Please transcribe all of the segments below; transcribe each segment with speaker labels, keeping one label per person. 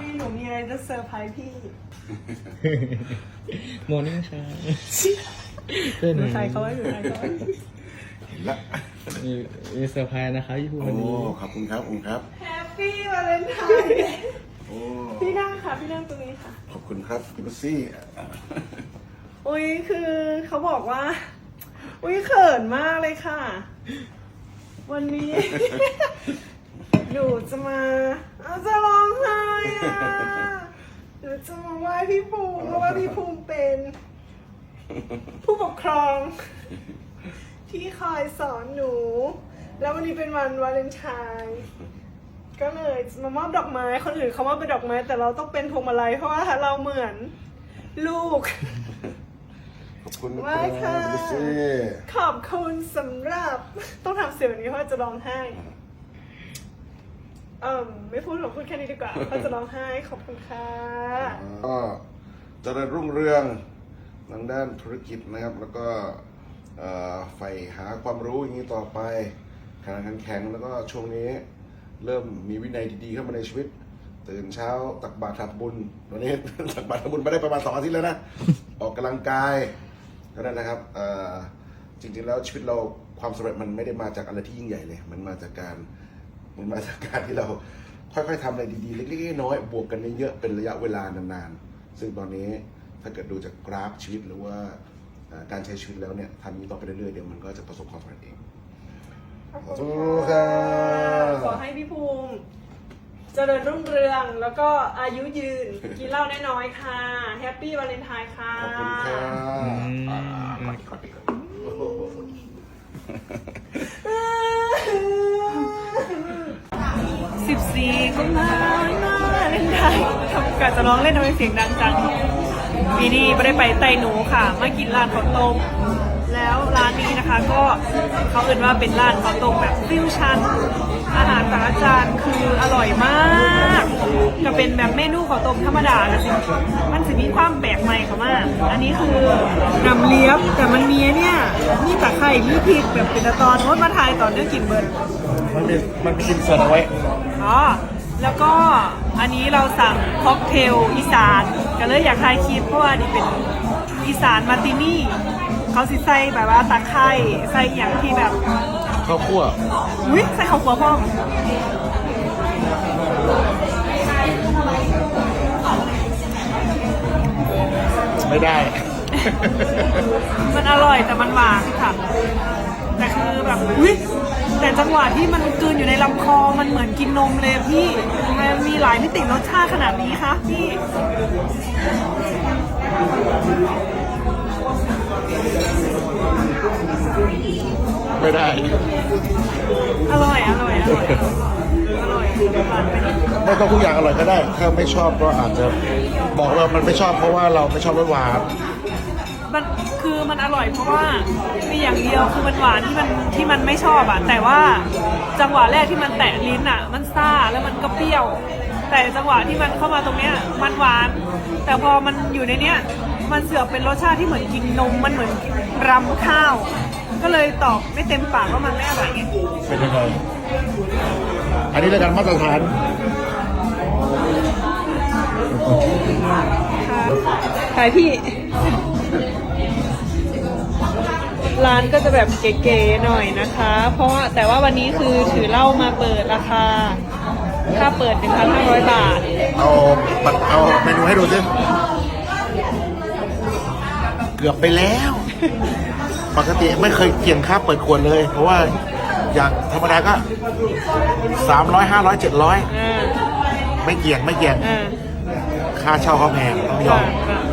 Speaker 1: หนูมีอะไรจะเซอร์ไพรส์พี่
Speaker 2: โมนิ่งค่ะ
Speaker 1: หนูใส่เขาไว้หนูใส่เขาไว้
Speaker 3: เห็นละ
Speaker 2: มีเซอร์ไพรส์นะคะพี่ภู
Speaker 3: โอ้
Speaker 2: วันนี้
Speaker 3: ขอบคุณครับขอบคุณครับ
Speaker 1: แฮปปี้วาเลนไทน์
Speaker 3: โอ้
Speaker 1: พี่นั่งค่ะพี่นั่งตรงนี้ค่ะ
Speaker 3: ขอบคุณครับพี่บัสซี่
Speaker 1: อุ้ยคือเขาบอกว่า อุ้ยเขินมากเลยค่ะ วันนี้ หนูจะมาจะร้องไห้อ่ะหนูจะมาไหว้พี่ภูมิเพราะว่าพี่ภูมิเป็น ผู้ปกครอง ที่คอยสอนหนู แล้ววันนี้เป็นวันวาเลนไทน์ก็เลยมามอบดอกไม้คนอื่นเขามอบเป็นดอกไม้ แต่เราต้องเป็นพวงมาลัยเพราะว่าเราเหมือนลูก
Speaker 3: ขอบคุณนะ
Speaker 1: ไหว้
Speaker 3: ครั
Speaker 1: ค่ะ
Speaker 3: บพี่บัสซี่
Speaker 1: ขอบคุณสำหรับต้องทำเสียงแบบนี้เพราะว่าจะร้องไห้ไม่พูดหรอกพูดแค่นี้ดีกว่าเพราะจะร้องไห้ขอบคุณค่ะ
Speaker 3: ก็เจริญรุ่งเรืองทางด้านธุรกิจนะครับ แล้วก็ใฝ่หาความรู้อย่างนี้ต่อไปขยันขันแข็งแล้วก็ช่วงนี้เริ่มมีวินัยดีๆเข้ามาในชีวิต ตื่นเช้าตักบาตรทำบุญวันนี้ ตักบาตรทำบุญมาได้ประมาณ2 อาทิตย์แล้วนะ ออกกำลังกายก็นั่นนะครับจริงๆแล้วชีวิตเราความสำเร็จมันไม่ได้มาจากอะไรที่ยิ่งใหญ่เลย มันมาจากการที่เราค่อยๆทำอะไรดีๆเล็กๆน้อยๆบวกกันเยอะๆเป็นระยะเวลานานๆซึ่งตอนนี้ถ้าเกิดดูจากกราฟชีวิตหรือว่าการใช้ชีวิตแล้วเนี่ยทำนี้ต่อไปเรื่อยๆเดี๋ยวมันก็จะประสบความสำเร็จเอง
Speaker 1: ขอบคุณค่ะขอให้พี่ภูมิเจริญรุ่งเรืองแล้วก็อายุยืน กินเหล้าน้อยๆค่ะแฮปปี้วาเลนไทน์ค่ะ
Speaker 3: ขอบคุณค่ะขอดีก่อน
Speaker 1: 14กุมภาพันธ์วาเลนไทน์ทำการจะร้องเล่นทำไมเสียงดังจังปีนี้ไม่ได้ไปไต่หนูค่ะมากินร้านข้าวต้มแล้วร้านนี้นะคะก็เขาเอ่นว่าเป็นร้านข้าวต้มแบบฟิวชั่นอาหารแต่ละจานคืออร่อยมากจะเป็นแบบเมนูข้าวต้มธรรมดานะสิมันจะมีความแปลกใหม่เข้ามาอันนี้คือนำเลี้ยบแต่มันมีเนี่ยมีตะไคร้มีพริกแบบเป็นตอนโน้ตมาทายตอนเรื่องกินเบิร์ด
Speaker 3: มันมีกินส่วนเอาไว้
Speaker 1: อ๋อแล้วก็อันนี้เราสั่งค็อกเทลอีสานก็เลยอยากทายคลิปเพราะว่านี่เป็นอีสานมาร์ตินี่เขาสิใส่แบบว่าตะไคร้ใส่อย่างที่แบบ
Speaker 3: ข้าวคั่ว
Speaker 1: อุ้ยใส่ข้าวคั่วพ่อม
Speaker 3: ไม่ได้
Speaker 1: มันอร่อยแต่มันหวานค่ะแต่คือแบบอุ้ยแต่จังหวะที่มันกลืนอยู่ในลำคอมันเหมือนกินนมเลยพี่ทำไมมันมีหลายมิติรสชาติขนาดนี้คะพี่
Speaker 3: ไม่ได้
Speaker 1: อร่อยอร่อยอร่อยอร่อยหวานไปนิด
Speaker 3: ไม่ต้องทุกอย่างอร่อยก็ได้ถ้าไม่ชอบก็อาจจะบอกว่ามันไม่ชอบเพราะว่าเราไม่ชอบรสหวาน
Speaker 1: มันคือมันอร่อยเพราะว่ามีอย่างเดียวคือมันหวานที่มันไม่ชอบอ่ะแต่ว่าจังหวะแรกที่มันแตะลิ้นอ่ะมันซ่าแล้วมันก็เปรี้ยว แต่จังหวะที่มันเข้ามาตรงเนี้ยมันหวาน แต่พอมันอยู่ในเนี้ยมันเสือกเป็นรสชาติที่เหมือนกินนมมันเหมือนรำข้าว ก็เลยตอบไม่เต็มปากว่ามันไม่อร่อยไง
Speaker 3: เป็นยังไงอันนี้รายการมาตรฐาน
Speaker 1: ขายพี่ ร้านก็จะแบบเก๋ๆหน่อยนะคะ เพราะว่าแต่ว่าวันนี้คือถือเหล้ามาเปิดราคาค่าเปิด 1,500 บาท
Speaker 3: เอาเมนูให้ดูสิเกือบไปแล้ว ปกติไม่เคยเกี่ยงค่าเปิดขวดเลย เพราะว่าอย่างธรรมดาก็300 500 700ไม่เกี่ยงค่าเช่าเขาแพงต้องยอม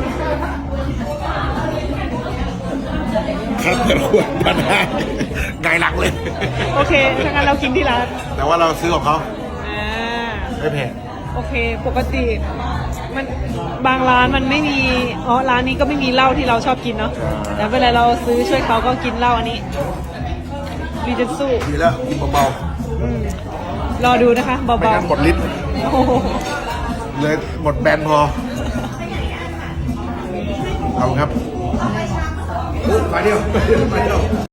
Speaker 3: ค่าเปิดขวดพันห้าไงหลังเลย
Speaker 1: โอเคถ้างั้นเรากินที่ร้าน
Speaker 3: แต่ว่าเราซื้อของเขาไม่แพง
Speaker 1: โอเค ปกติมันบางร้านมันไม่มีร้านนี้ก็ไม่มีเหล้าที่เราชอบกินเนาะแต่เวลาเราซื้อช่วยเขาก็กินเหล้าอันนี้รีเจนสู้
Speaker 3: ดีแล้วกินเบาร
Speaker 1: อดูนะคะ
Speaker 3: ๆ
Speaker 1: เบา
Speaker 3: ไม่งั้นหมดลิ้น
Speaker 1: ๆโอ้โห
Speaker 3: เลยหมดแบนพอเอาครับมาเดียว